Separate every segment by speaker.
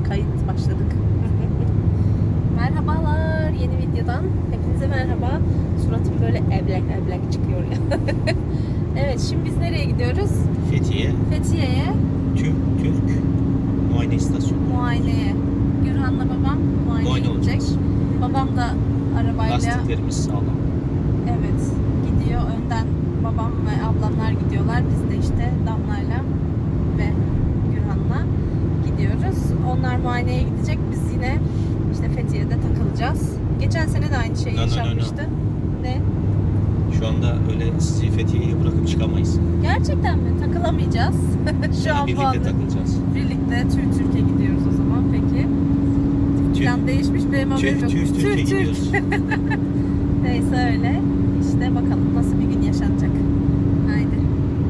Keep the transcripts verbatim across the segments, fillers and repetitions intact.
Speaker 1: Kayıt başladık. Merhabalar, yeni videodan hepinize merhaba. Suratım böyle eblek eblek çıkıyor ya. Evet, şimdi biz nereye gidiyoruz?
Speaker 2: Fethiye.
Speaker 1: Fethiye'ye.
Speaker 2: Türk Türk muayene istasyonu.
Speaker 1: Muayeneye. Gürhan'la babam muayeneye
Speaker 2: Muayene
Speaker 1: gidecek.
Speaker 2: olacağız.
Speaker 1: Babam da arabayla.
Speaker 2: Lastiklerimiz sağlam.
Speaker 1: Evet, gidiyor. Önden babam ve ablamlar gidiyorlar. Biz de işte Damla'yla ve Gürhan'la gidiyoruz. Onlar muayeneye gidecek. Biz yine işte Fethiye'de takılacağız. Geçen sene de aynı şeyi
Speaker 2: No, no, no, no.
Speaker 1: yaşanmıştı. Ne?
Speaker 2: Şu anda öyle sizi Fethiye'ye bırakıp çıkamayız.
Speaker 1: Gerçekten mi? Takılamayacağız. Şu
Speaker 2: Yani
Speaker 1: an bu
Speaker 2: birlikte
Speaker 1: anda
Speaker 2: takılacağız.
Speaker 1: birlikte Türk Türkiye gidiyoruz o zaman. Peki. Plan değişmiş, benim haberim yok.
Speaker 2: Türk Türk Türkiye gidiyoruz.
Speaker 1: Neyse öyle. İşte bakalım nasıl bir gün yaşanacak. Haydi.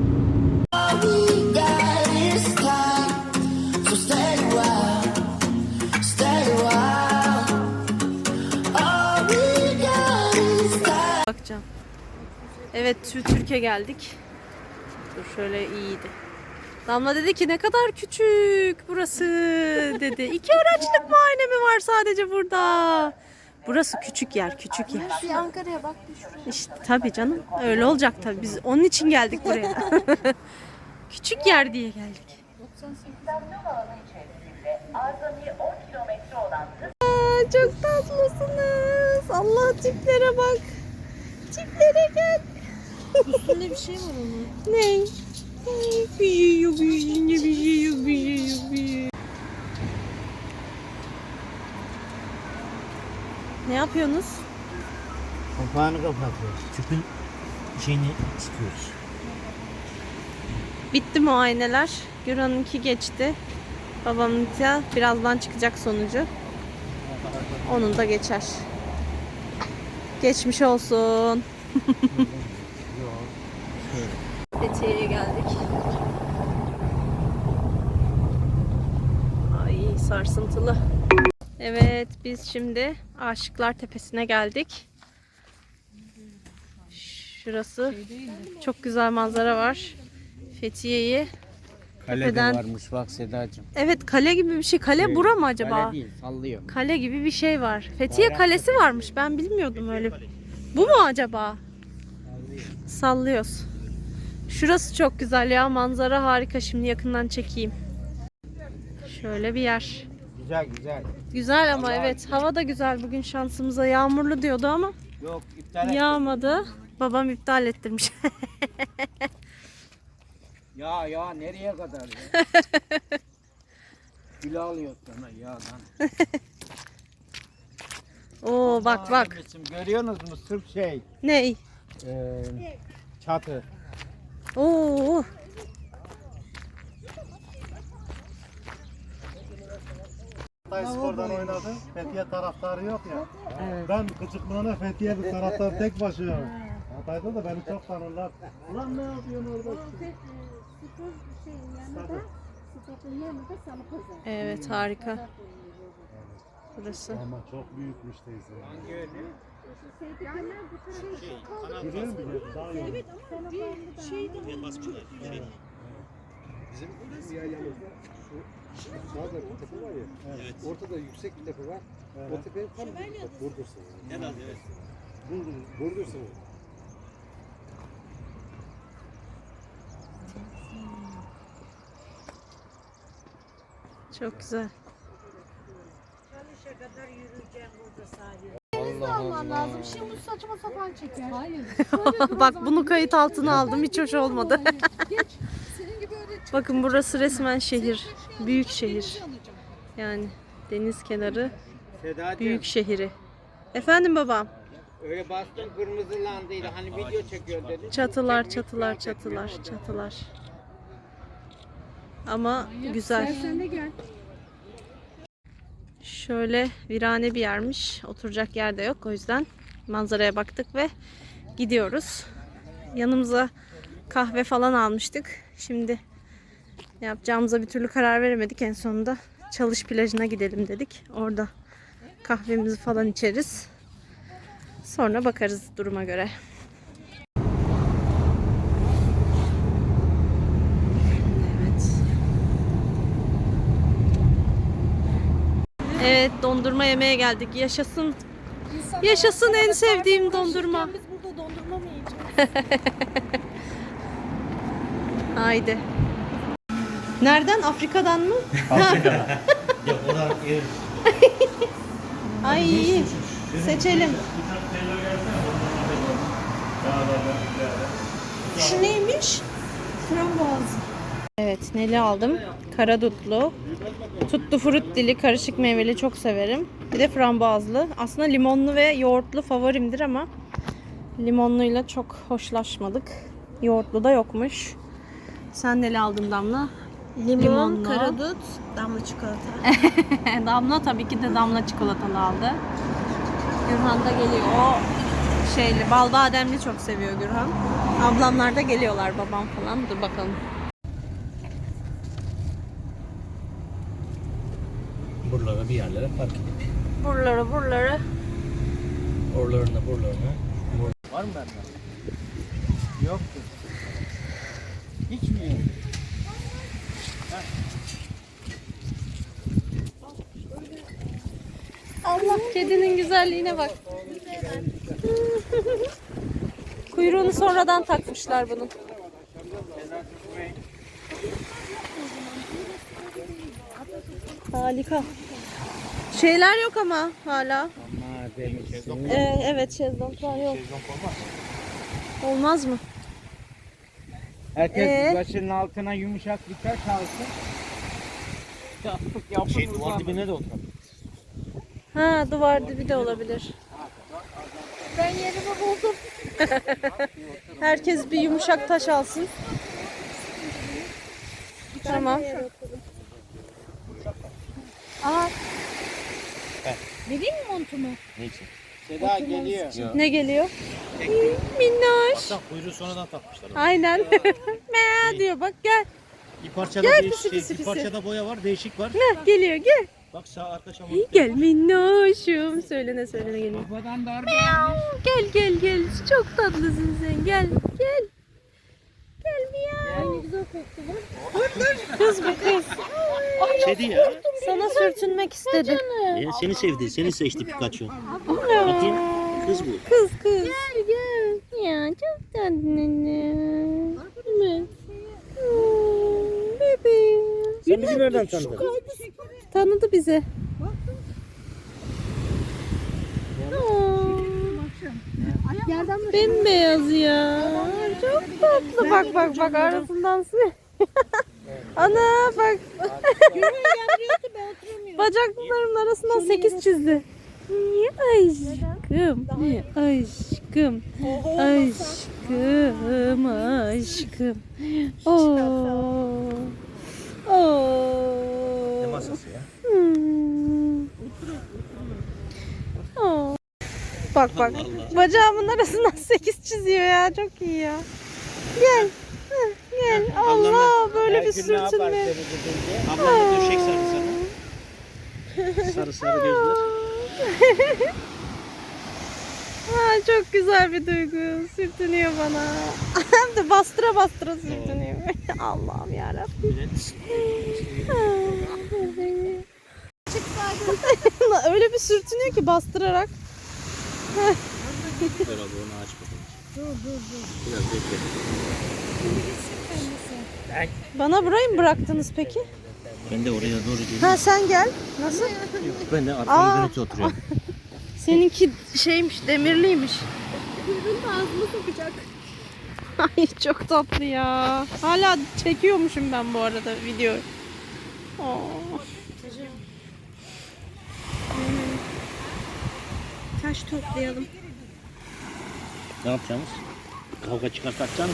Speaker 1: Bakacağım. Evet, Türkiye geldik. Dur şöyle iyiydi. Damla dedi ki ne kadar küçük burası dedi. İki araçlık muayene mi var sadece burada? Burası küçük yer, küçük yer.
Speaker 3: Bir Ankara'ya bak bir şuraya.
Speaker 1: İşte tabii canım. Öyle olacak tabii. Biz onun için geldik buraya. Küçük yer diye geldik. Aa, çok tatlısınız. Allah tiplere bak. Tiplere gel.
Speaker 3: Üstünde bir şey var onun.
Speaker 1: Ne? Bir şey yok, bir şey yok, bir şey yok, bir şey yok, bir şey yok. Ne yapıyorsunuz?
Speaker 4: Kapağını kapatıyoruz. Tüpün şeyini sıkıyoruz.
Speaker 1: Bitti muayeneler. Gürhan'ınki geçti. Babamınki birazdan çıkacak sonucu. Onun da geçer. Geçmiş olsun. Fethiye'ye geldik. Ay sarsıntılı. Evet, biz şimdi Aşıklar Tepesi'ne geldik. Şurası çok güzel manzara var. Fethiye'yi
Speaker 4: Kale
Speaker 1: tepeden...
Speaker 4: de varmış bak Sedacığım.
Speaker 1: Evet, kale gibi bir şey. Kale bura mı acaba?
Speaker 4: Kale değil, sallıyor.
Speaker 1: Kale gibi bir şey var. Fethiye Kalesi varmış. Ben bilmiyordum öyle. Bu mu acaba? Sallıyoruz. Şurası çok güzel ya. Manzara harika. Şimdi yakından çekeyim. Şöyle bir yer.
Speaker 4: Güzel güzel.
Speaker 1: Güzel ama evet. Hava da güzel. Bugün şansımıza yağmurlu diyordu ama
Speaker 4: Yok iptal et.
Speaker 1: yağmadı. Babam iptal ettirmiş.
Speaker 4: Ya ya nereye kadar ya? Gül alıyor sana yağdan.
Speaker 1: Oo bak bak.
Speaker 4: Anneciğim, görüyorsunuz mu sırf şey.
Speaker 1: Ney?
Speaker 4: E, çatı.
Speaker 1: Oo.
Speaker 5: Hatay Spor'dan oynadı. Fethiye taraftarı yok ya. Ben küçüklüğüne Fethiye bir taraftar tek başına. Hatay'da da beni çok tanırlar. Ulan ne yapıyorsun orada?
Speaker 1: Evet, harika. Burası.
Speaker 5: Ama çok büyükmüş teyze. Biliyor musun? Daha iyi.
Speaker 6: Bizim bizim yaylamızda şu sağda bir tepe var ya. Evet. Ortada yüksek bir tepe var.
Speaker 5: Evet.
Speaker 6: O tepenin tam Burdur'sun.
Speaker 2: Evet, evet.
Speaker 6: Burdur, Burdur'sun.
Speaker 1: Çok güzel.
Speaker 3: Allah alman lazım. Şimdi bu saçma sapan çeker. Hayır.
Speaker 1: Bak bunu kayıt altına aldım. Hiç hoş olmadı.
Speaker 3: Geç. Senin gibi öyle
Speaker 1: Bakın burası resmen şehir. Büyük şehir. Yani deniz kenarı
Speaker 4: Sedacığım
Speaker 1: büyük şehri. Efendim babam.
Speaker 4: öyle bastın kırmızılandıydı. Hani video çekiyor dedi.
Speaker 1: Çatılar, çatılar, çatılar, çatılar. Ama güzel.
Speaker 3: sen de gel.
Speaker 1: Şöyle virane bir yermiş. Oturacak yer de yok. O yüzden manzaraya baktık ve gidiyoruz. Yanımıza kahve falan almıştık. Şimdi ne yapacağımıza bir türlü karar veremedik. En sonunda Çalış plajına gidelim dedik. Orada kahvemizi falan içeriz. Sonra bakarız duruma göre. Evet. Evet, dondurma yemeye geldik. Yaşasın.
Speaker 3: İnsanlar
Speaker 1: Yaşasın en
Speaker 3: arasında
Speaker 1: sevdiğim
Speaker 3: karnı
Speaker 1: dondurma.
Speaker 3: uğraşırken Biz burada dondurma mı yiyeceğiz?
Speaker 1: Haydi. Nereden? Afrika'dan mı?
Speaker 2: Ya oradan yer.
Speaker 1: Ay seçelim.
Speaker 3: Şu neymiş? Frambuaz.
Speaker 1: Evet, neli aldım? Karadutlu. Tuttu fruttili, karışık meyveli çok severim. Bir de frambuazlı. Aslında limonlu ve yoğurtlu favorimdir ama limonluyla çok hoşlaşmadık. Yoğurtlu da yokmuş. Sen neli aldın Damla?
Speaker 3: Limon,
Speaker 1: Limonlu.
Speaker 3: karadut, damla çikolata.
Speaker 1: Damla tabii ki de damla çikolatalı aldı. Gürhan da geliyor. O şeyli, bal bademli çok seviyor Gürhan. Ablamlar da geliyorlar, babam falan. Dur bakalım.
Speaker 2: Buralara bir yerlere park edip.
Speaker 1: Buraları buraları.
Speaker 2: Oralarına buralarına.
Speaker 4: Var mı bende? Yoktu. Hiç mi yok?
Speaker 1: Allah, kedinin güzelliğine bak. Kuyruğunu sonradan takmışlar bunun. Harika. Şeyler yok ama hala.
Speaker 4: Ama benim şey
Speaker 1: Ee, evet, şezlonglar yok. Olmaz mı?
Speaker 4: Herkes
Speaker 1: Ee?
Speaker 4: başının altına yumuşak bir taş alsın. Yapıp yapıp
Speaker 2: Şey duvar
Speaker 4: uzanır.
Speaker 2: dibine de oturalım.
Speaker 1: Ha, duvar dibi de olabilir.
Speaker 3: Ben yerimi buldum.
Speaker 1: Herkes bir yumuşak taş alsın. Tamam.
Speaker 3: Aa. Vereyim mi montumu?
Speaker 2: Ne için?
Speaker 4: Seda geliyor.
Speaker 1: Ne geliyor? Minnoş.
Speaker 2: Baksana kuyruğu sonradan takmışlar.
Speaker 1: Aynen. Mea diyor, bak gel.
Speaker 2: Bir parçada
Speaker 1: Gel
Speaker 2: değiş-
Speaker 1: pisi
Speaker 2: şey,
Speaker 1: pisi
Speaker 2: bir
Speaker 1: pisi.
Speaker 2: parçada boya var, değişik var.
Speaker 1: Heh, geliyor, gel.
Speaker 2: Bak sağ arka çamur.
Speaker 1: Gel minnoşum. Söylene söylene geliyor.
Speaker 4: Babadan darbe.
Speaker 1: Gel gel gel. Çok tatlısın sen. Gel gel. Gel miyav.
Speaker 3: Ne güzel koktu bu.
Speaker 1: Kız bu kız.
Speaker 2: Kedi ya.
Speaker 1: Sana sürtünmek istedi.
Speaker 2: Ya seni sevdi, seni seçti Pikachu. Bakayım, kız bu.
Speaker 1: Kız kız. Gel gel. Ya çok tatlı. Evet. Hmm, bebeğim.
Speaker 2: Sen bizi nereden tanıdın?
Speaker 1: Tanıdı bizi. Aa,
Speaker 3: Yerden mi?
Speaker 1: bembeyaz ya. Çok tatlı. Bak bak bak, arasından su. Ana bak.
Speaker 3: Yemliyordu, ben oturamıyorum.
Speaker 1: Bacaklarımın arasından sekiz çizdi. Niye aşkım? Niye aşkım? Aşkım, aşkım. Oo. Oo.
Speaker 2: Ne masası ya?
Speaker 1: Hmm. Oo. Bak bak. Bacağımın arasından sekiz çiziyor ya. Çok iyi ya. Gel. Heh, gel. Allah, böyle bir
Speaker 4: Belki ne yapar
Speaker 1: sürtünme.
Speaker 4: seni gidince?
Speaker 2: Ablanla döşek sardı sana. Sarı sarı gözler.
Speaker 1: Aa, çok güzel bir duygu. Sürtünüyor bana. Hem de bastıra bastıra sürtünüyor. Allah'ım yarabbim. Öyle bir sürtünüyor ki bastırarak.
Speaker 2: Dur abi onu aç bakalım. Dur dur dur. Biraz bekle.
Speaker 1: Bana burayı mı bıraktınız peki?
Speaker 2: Ben de oraya doğru geleyim.
Speaker 1: Ha, sen gel. Nasıl?
Speaker 2: Ben de
Speaker 1: Aa.
Speaker 2: arkamı dönüp oturuyorum.
Speaker 1: Seninki şeymiş, demirliymiş.
Speaker 3: Kuyruğunu ağzıma sokacak.
Speaker 1: Ay çok tatlı ya. Hala çekiyormuşum ben bu arada videoyu. Oo. Taş toplayalım.
Speaker 2: Ne yapacağız? Kavga çıkartacağız mı?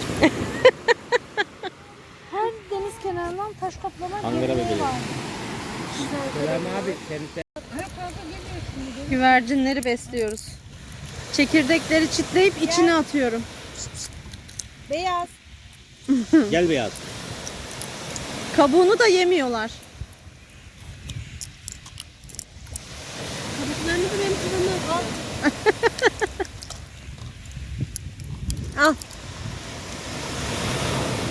Speaker 3: Her deniz kenarından taş toplama
Speaker 2: Ankara
Speaker 3: geleneği
Speaker 2: bebeği.
Speaker 3: var.
Speaker 4: Selam abi seni
Speaker 1: Güvercinleri besliyoruz. Çekirdekleri çitleyip içine atıyorum.
Speaker 3: Beyaz.
Speaker 2: Gel beyaz.
Speaker 1: Kabuğunu da yemiyorlar.
Speaker 3: Kabuklarını da benim kafama al.
Speaker 1: Al.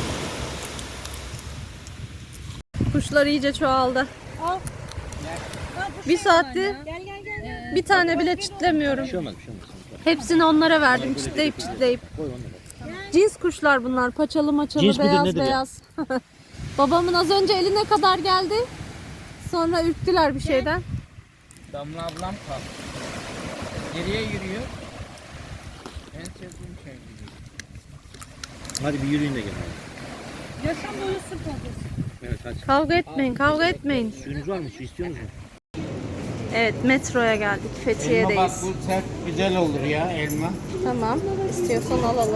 Speaker 1: Kuşlar iyice çoğaldı.
Speaker 3: Al.
Speaker 1: Bir saattir
Speaker 3: Gel gel gel.
Speaker 1: bir tane bile çitlemiyorum.
Speaker 2: Bir şey olmaz, bir şey olmaz.
Speaker 1: Hepsini onlara verdim çitleyip çitleyip.
Speaker 2: Koy onları.
Speaker 1: Cins kuşlar bunlar. Paçalı maçalı,
Speaker 2: Cins midir,
Speaker 1: beyaz
Speaker 2: nedir ya?
Speaker 1: beyaz. Babamın az önce eline kadar geldi. Sonra ürktüler bir şeyden.
Speaker 4: Damla ablam kaldı. Geriye yürüyor. En sevdiğim şey gibi.
Speaker 2: Hadi bir yürüyün de gelin.
Speaker 3: Yaşam boyu sırt alıyorsun.
Speaker 2: Evet hadi.
Speaker 1: Kavga etmeyin, kavga etmeyin.
Speaker 2: Suyunuz var mı? Su istiyor musunuz?
Speaker 1: Evet, metroya geldik.
Speaker 4: Elma bak
Speaker 1: Fethiye'deyiz.
Speaker 4: bu sert güzel olur ya elma.
Speaker 1: Tamam. İstiyorsan alalım.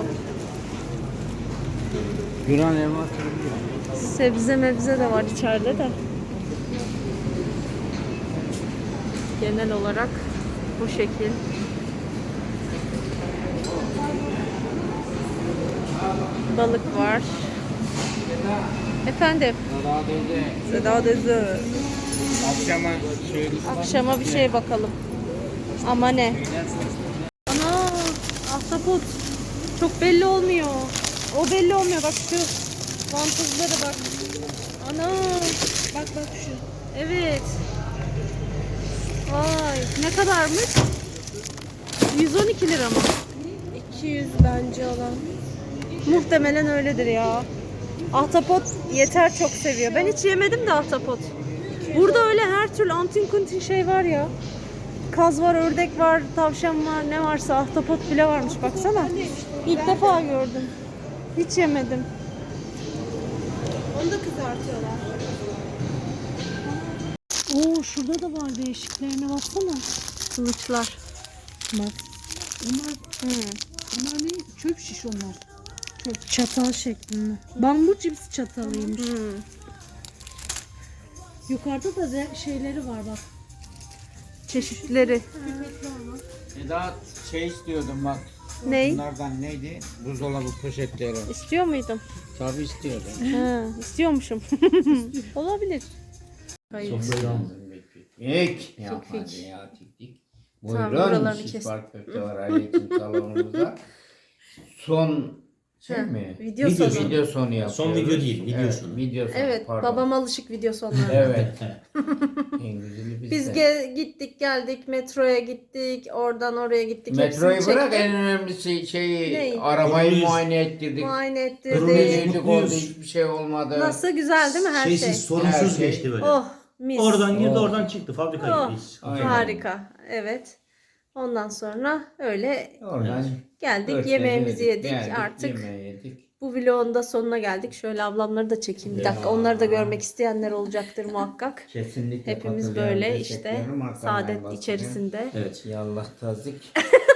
Speaker 4: Yunan elma sürüyor.
Speaker 1: Sebze mebze de var içeride de. Genel olarak bu şekil. Balık var. Efendim?
Speaker 4: Daha dedi.
Speaker 1: Seda Dözü.
Speaker 4: Akşama şey
Speaker 1: Akşama bir şey bakalım. Ama ne? Ana, ahtapot. Çok belli olmuyor. O belli olmuyor. Bak şu vantuzlara bak. Ana. Bak bak şu. Evet. Vay. Ne kadarmış? yüz on iki lira mı?
Speaker 3: iki yüz bence olan.
Speaker 1: Muhtemelen öyledir ya. Ahtapot yeter çok seviyor. Ben hiç yemedim de ahtapot. Burada öyle her türlü antin kuntin şey var ya. Kaz var, ördek var, tavşan var, ne varsa ahtapot bile varmış baksana. İlk defa gördüm. Hiç yemedim.
Speaker 3: Onu da kızartıyorlar.
Speaker 1: Oo, şurada da var değişiklerine baksana. Kılıçlar.
Speaker 3: Bak. Onlar,
Speaker 1: Hmm.
Speaker 3: onlar ne? Çöp şiş onlar. Çöp.
Speaker 1: Çatal şeklinde.
Speaker 3: Bambu cips çatalıymış.
Speaker 1: Hmm.
Speaker 3: Yukarıda da ze- şeyleri var bak.
Speaker 1: Çeşitleri.
Speaker 4: Eda şey istiyordum bak.
Speaker 1: Ney?
Speaker 4: Bunlardan neydi? Buzdolabı poşetleri.
Speaker 1: İstiyor muydun?
Speaker 4: Tabii istiyordum.
Speaker 1: Ha, istiyormuşum. Olabilir. Hayır.
Speaker 4: Ek. Ya
Speaker 1: Fikfik.
Speaker 4: hadi ya tik tik.
Speaker 1: Tamam,
Speaker 4: Buyurun
Speaker 1: buralarını
Speaker 4: siz
Speaker 1: kes.
Speaker 4: Park Köfte var aleyküm salonumuza. Son şey
Speaker 1: Ha,
Speaker 4: mi?
Speaker 1: video sonu.
Speaker 4: Video sonu yapıyoruz.
Speaker 2: Son video değil, video
Speaker 4: evet,
Speaker 2: sonu.
Speaker 4: Video sonu.
Speaker 1: Evet,
Speaker 4: pardon.
Speaker 1: babam alışık video sonlarına.
Speaker 4: Evet. En güzeli bizde.
Speaker 1: Biz ge- gittik geldik, metroya gittik, oradan oraya gittik.
Speaker 4: Metroyu
Speaker 1: hepsini
Speaker 4: bırak
Speaker 1: çektik.
Speaker 4: en önemlisi şeyi
Speaker 1: Ney?
Speaker 4: arabayı
Speaker 2: Mutluyuz.
Speaker 4: muayene ettirdik.
Speaker 1: Muayene
Speaker 2: Mutluyuz.
Speaker 1: ettirdik.
Speaker 4: Durumdaydık orada hiçbir şey olmadı.
Speaker 1: Nasıl güzel değil mi her şey?
Speaker 2: Şeysiz, sorunsuz
Speaker 4: Her şey.
Speaker 2: geçti böyle.
Speaker 1: Oh, mis.
Speaker 2: Oradan girdi,
Speaker 4: Oh.
Speaker 2: oradan çıktı. Fabrika
Speaker 1: Oh,
Speaker 2: gibiyiz.
Speaker 4: Aynen.
Speaker 1: harika. Evet. Ondan sonra öyle
Speaker 4: Oradan
Speaker 1: geldik,
Speaker 4: örtleri
Speaker 1: yemeğimizi yedik.
Speaker 4: geldik,
Speaker 1: Artık
Speaker 4: yemeği yedik.
Speaker 1: bu vlogun da sonuna geldik. Şöyle ablamları da çekeyim bir dakika. Onları da görmek isteyenler olacaktır muhakkak.
Speaker 4: Kesinlikle
Speaker 1: Hepimiz
Speaker 4: katılıyorum,
Speaker 1: böyle işte
Speaker 4: destekliyorum. Arkamdan
Speaker 1: saadet
Speaker 4: basıyorum.
Speaker 1: içerisinde.
Speaker 2: Evet.
Speaker 4: Yallah tazik.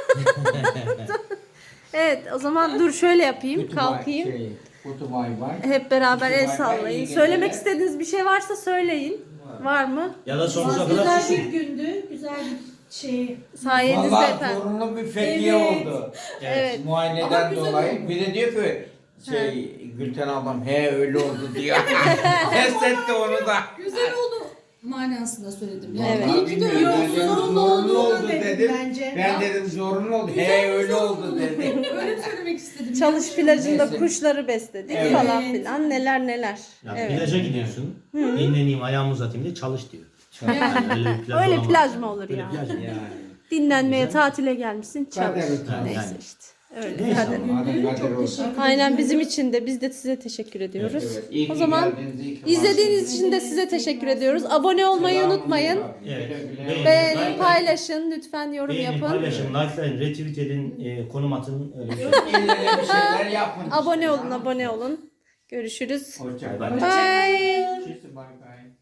Speaker 1: Evet, o zaman dur şöyle yapayım,
Speaker 4: Kutu
Speaker 1: kalkayım.
Speaker 4: Bay, şey, kutu bay bay.
Speaker 1: Hep beraber
Speaker 4: Kutu
Speaker 1: el
Speaker 4: bay bay,
Speaker 1: sallayın.
Speaker 4: iyi
Speaker 1: Söylemek
Speaker 4: geceler.
Speaker 1: istediğiniz bir şey varsa söyleyin. Var mı?
Speaker 2: Ya da sonsuza kadar
Speaker 3: Güzel
Speaker 2: susun.
Speaker 3: bir gündü. Güzel bir şey.
Speaker 1: Sayenizde
Speaker 4: Vallahi
Speaker 1: efendim.
Speaker 4: zorunlu bir fethiye
Speaker 3: Evet.
Speaker 4: oldu.
Speaker 1: Evet.
Speaker 3: Ama
Speaker 4: Muayeneden
Speaker 3: güzel
Speaker 4: dolayı.
Speaker 3: oldu.
Speaker 4: Bir de diyor ki şey Gülten ablam he öyle oldu diyor. Test etti onu da.
Speaker 3: Güzel oldu manasında söyledim. Yani
Speaker 1: Evet.
Speaker 3: iyi ki de
Speaker 4: Bilmiyorum,
Speaker 3: yok.
Speaker 4: ben dedim,
Speaker 3: Zorunlu
Speaker 4: zorunlu
Speaker 3: olduğunu
Speaker 4: oldu
Speaker 3: dedim,
Speaker 4: dedim.
Speaker 3: bence.
Speaker 4: Ben dedim zorunlu oldu.
Speaker 3: Güzel
Speaker 4: He
Speaker 3: bir
Speaker 4: öyle
Speaker 3: zorunlu
Speaker 4: oldu dedim.
Speaker 3: Öyle mi söylemek istedim?
Speaker 1: Çalış
Speaker 3: Yanlış
Speaker 1: plajında
Speaker 4: Neyse.
Speaker 1: kuşları besledik
Speaker 4: Evet.
Speaker 1: falan filan. Neler neler.
Speaker 2: Ya
Speaker 1: Evet.
Speaker 2: plaja gidiyorsun. Dinleneyim, ayağımı uzatayım diye çalış diyor. Yani öyle bir plaj
Speaker 1: Öyle
Speaker 2: olamaz.
Speaker 1: plaj mı olur
Speaker 2: Öyle
Speaker 1: ya?
Speaker 2: plaj mı?
Speaker 4: Yani.
Speaker 1: Dinlenmeye, tatile gelmişsin, çalış.
Speaker 4: Kader utanmaz.
Speaker 1: Neyse
Speaker 2: Yani.
Speaker 1: işte. Öyle.
Speaker 2: Neyse
Speaker 1: Kader.
Speaker 2: ama.
Speaker 4: Madem kader olsun.
Speaker 1: Aynen bizim için de biz de size teşekkür ediyoruz.
Speaker 4: Evet, iyi ki
Speaker 1: O zaman
Speaker 4: geldiniz, iyi ki
Speaker 1: İzlediğiniz
Speaker 4: varsınız.
Speaker 1: için de size teşekkür ediyoruz. Abone olmayı
Speaker 4: Selamun
Speaker 1: unutmayın.
Speaker 4: aleyküm.
Speaker 2: Evet.
Speaker 4: Güle güle.
Speaker 2: Beğenin,
Speaker 1: Beğenin,
Speaker 2: likelayın.
Speaker 1: paylaşın, lütfen yorum
Speaker 2: Beğenin,
Speaker 1: yapın.
Speaker 2: paylaşın, likelayın, retweet edin, e, konum atın. Öyle bir şey.
Speaker 4: İlle de bir şeyler yapın.
Speaker 1: Abone olun, abone olun. Görüşürüz.
Speaker 4: Hoşça
Speaker 2: Bay
Speaker 4: kalın.
Speaker 2: bay.
Speaker 1: Bye.
Speaker 4: Tschüss, bye bye.